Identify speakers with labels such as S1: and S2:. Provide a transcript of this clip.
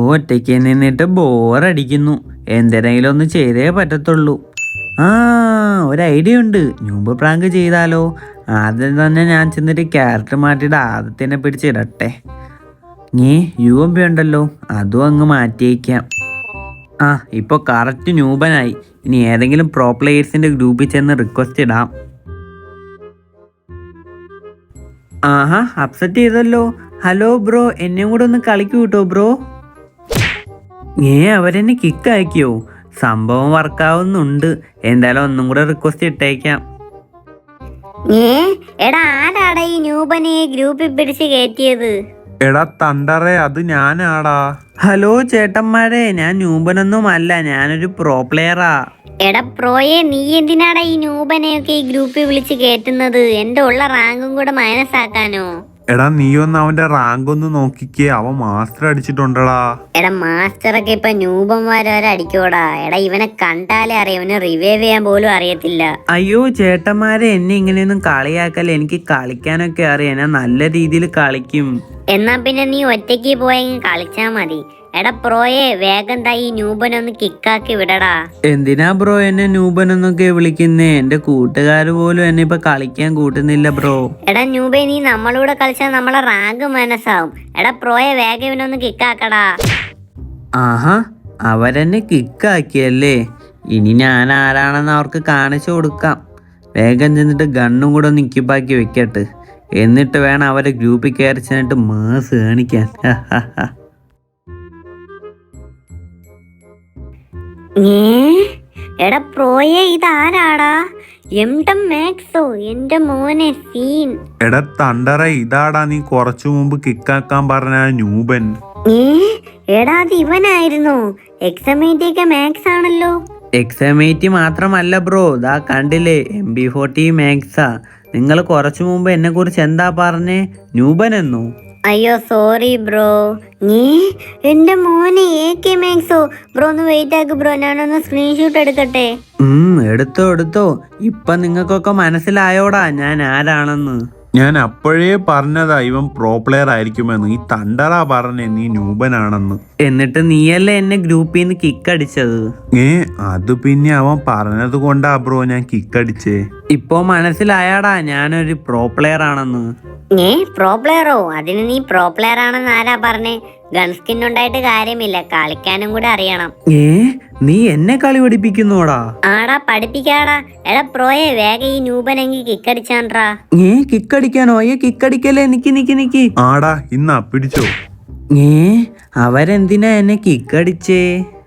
S1: ഒറ്റയ്ക്ക് നിന്നിട്ട് ബോറടിക്കുന്നു. എന്തിനെങ്കിലും ഒന്ന് ചെയ്തേ പറ്റത്തുള്ളൂ. ആ, ഒരു ഐഡിയ ഉണ്ട്. ന്യൂബ് പ്രാങ്ക് ചെയ്താലോ? ആദ്യം തന്നെ ഞാൻ ചെന്നിട്ട് ക്യാരക്ടർ മാറ്റിയിട്ട് ആദ്യത്തിനെ പിടിച്ചിടട്ടെ. UMP ഉണ്ടല്ലോ, അതും അങ്ങ് മാറ്റിയേക്കാം. ഇപ്പോൾ കറക്റ്റ് ന്യൂബനായി. ഇനി ഏതെങ്കിലും പ്രോ പ്ലേയേഴ്സിൻ്റെ ഗ്രൂപ്പിൽ ചെന്ന് റിക്വസ്റ്റ് ഇടാം. അപ്സെറ്റ് ചെയ്തല്ലോ. ഹലോ ബ്രോ, എന്നെയും കൂടെ ഒന്ന് കളിക്കൂ കേട്ടോ ബ്രോ. അവരെന്നെ കിക്ക് ആക്കിയോ? സംഭവം വർക്കാവുന്നുണ്ട്. എന്തായാലും ഒന്നും കൂടെ റിക്വസ്റ്റ് ഇട്ടേക്കാം.
S2: എടാ, ആരാടാ ഈ ന്യൂബനെ ഗ്രൂപ്പിൽ പിടിച്ച് കയറ്റിയത്?
S3: എടാ തണ്ടറേ, അത് ഞാനാടാ.
S1: ഹലോ ചേട്ടന്മാരെ, ഞാൻ ന്യൂബനൊന്നും അല്ല, ഞാനൊരു പ്രോ പ്ലെയറാ.
S2: എടാ പ്രോയെ, നീ എന്തിനാടാ ഈ ന്യൂബനെയൊക്കെ ഈ ഗ്രൂപ്പിൽ വിളിച്ച് കയറ്റുന്നത്? എന്റെ ഉള്ള റാങ്കും കൂടെ മൈനസ് ആക്കാനോ?
S3: എടാ നീ ഒന്ന് അവന്റെ റാങ്ക് ഒന്ന് നോക്കിക്കേ, അവൻ മാസ്റ്റർ അടിച്ചിട്ടുണ്ടടാ.
S2: എടാ മാസ്റ്ററൊക്കെ ഇപ്പൊ ന്യൂബന്മാരെ അടിക്കോടാ. എടാ ഇവനെ കണ്ടാലേ അറിയാം, ഇവനെ റിവൈവ് ചെയ്യാൻ പോലും അറിയത്തില്ല.
S1: അയ്യോ ചേട്ടന്മാരെ, എന്നെ ഇങ്ങനെയൊന്നും കളിയാക്കല്ലേ. എനിക്ക് കളിക്കാനൊക്കെ അറിയാം, ഞാൻ നല്ല രീതിയിൽ കളിക്കും.
S2: എന്നാ പിന്നെ നീ ഒറ്റയ്ക്ക് പോയെങ്കിൽ കളിച്ചാ മതി. എടാ പ്രോയെ, വേഗം ഈ ന്യൂബനൊന്ന് കിക്കാക്കി വിടടാ.
S1: എന്തിനാ ബ്രോ എന്നെ ന്യൂബനെന്നൊക്കെ വിളിക്കുന്നേ? എന്റെ കൂട്ടുകാര് പോലും എന്നെ ഇപ്പൊ കളിക്കാൻ കൂട്ടുന്നില്ല ബ്രോ.
S2: എടാ ന്യൂബെ, നീ നമ്മളൂടെ കളിച്ചാൽ നമ്മളെ റാങ്ക് മനസ്സാവും. എടാ പ്രോയെ, വേഗം ഇവനൊന്ന് കിക്കാക്കടാ.
S1: അവരെന്നെ കിക്കാക്കിയല്ലേ? ഇനി ഞാൻ ആരാണെന്ന് അവർക്ക് കാണിച്ചു കൊടുക്കാം. വേഗം ചെന്നിട്ട് ഗണ്ണും കൂടെ ഒന്ന് ഇക്കിപ്പാക്കി വെക്കട്ടെ. എന്നിട്ട് വേണം അവരെ ഗ്രൂപ്പിൽ കയറി ചെന്നിട്ട് മാസ് കാണിക്കാൻ.
S2: എടാ പ്രോയെ, ഇതാരാടാ? മാക്സോ, എന്റെ മോനെ സീൻ.
S3: എടാ തണ്ടറ, ഇതാടാ നീ കുറച്ചു മുമ്പ് കിക്കാക്കാൻ പറഞ്ഞ ന്യൂബൻ.
S2: എടാ അത് ഇവനായിരുന്നോ? എക്സമേറ്റിയൊക്കെ മാക്സ് ആണല്ലോ.
S1: എക്സമേറ്റ് മാത്രമല്ല ബ്രോ, ദാ കണ്ടില്ലേ, MB40 മാക്സാ. നിങ്ങൾ കുറച്ചു മുമ്പ് എന്നെ കുറിച്ച് എന്താ പറഞ്ഞേ? ന്യൂബൻ എന്നോ?
S2: അയ്യോ സോറി ബ്രോ. എന്റെ മോനെ AK മാക്സോ. ബ്രോ ഒന്ന് വെയിറ്റ് ആക്ക് ബ്രോ, ഞാനൊന്ന് സ്ക്രീൻഷോട്ട് എടുക്കട്ടെ.
S1: എടുത്തോ. ഇപ്പൊ നിങ്ങൾക്കൊക്കെ മനസ്സിലായോടാ ഞാൻ ആരാണെന്ന്?
S3: ഞാൻ അപ്പോഴേ പറഞ്ഞതാ ഇവൻ പ്രോ പ്ലെയർ ആയിരിക്കുമെന്ന്. ഈ തണ്ടറാ പറഞ്ഞേ നീ ന്യൂബനാണെന്ന്.
S1: എന്നിട്ട് നീയല്ലേ എന്നെ ഗ്രൂപ്പിൽ നിന്ന് കിക്കടിച്ചത്?
S3: അത് പിന്നെ അവൻ പറഞ്ഞത് കൊണ്ടാ ബ്രോ ഞാൻ കിക്കടിച്ചേ.
S1: ഇപ്പൊ മനസ്സിലായാടാ ഞാനൊരു പ്രോ പ്ലെയർ ആണെന്ന്?
S2: പ്രോ പ്ലെയറോ? അതിന് നീ പ്രോ പ്ലെയർ ആണെന്ന് ആരാ പറഞ്ഞേ? ഗൺസ്കിൻ ഉണ്ടായിട്ട് കാര്യമില്ല, കളിക്കാനും കൂടെ അറിയണം.
S1: നീ എന്നെ കളി പഠിപ്പിക്കുന്നോടാ?
S2: ആടാ, പഠിപ്പിക്കാടാ. എടാ പ്രോയെ, വേഗം ഈ ന്യൂബനെങ്കിൽ കിക്കടിച്ചാൻട്രാ.
S1: കിക്കടിക്കാനോ? കിക്കടിക്കല്ലേ, നിക്ക്.
S3: ആടാ, ഇന്നാ പിടിച്ചോ.
S1: അവരെന്തിനാ എന്നെ കിക്കടിച്ചേ?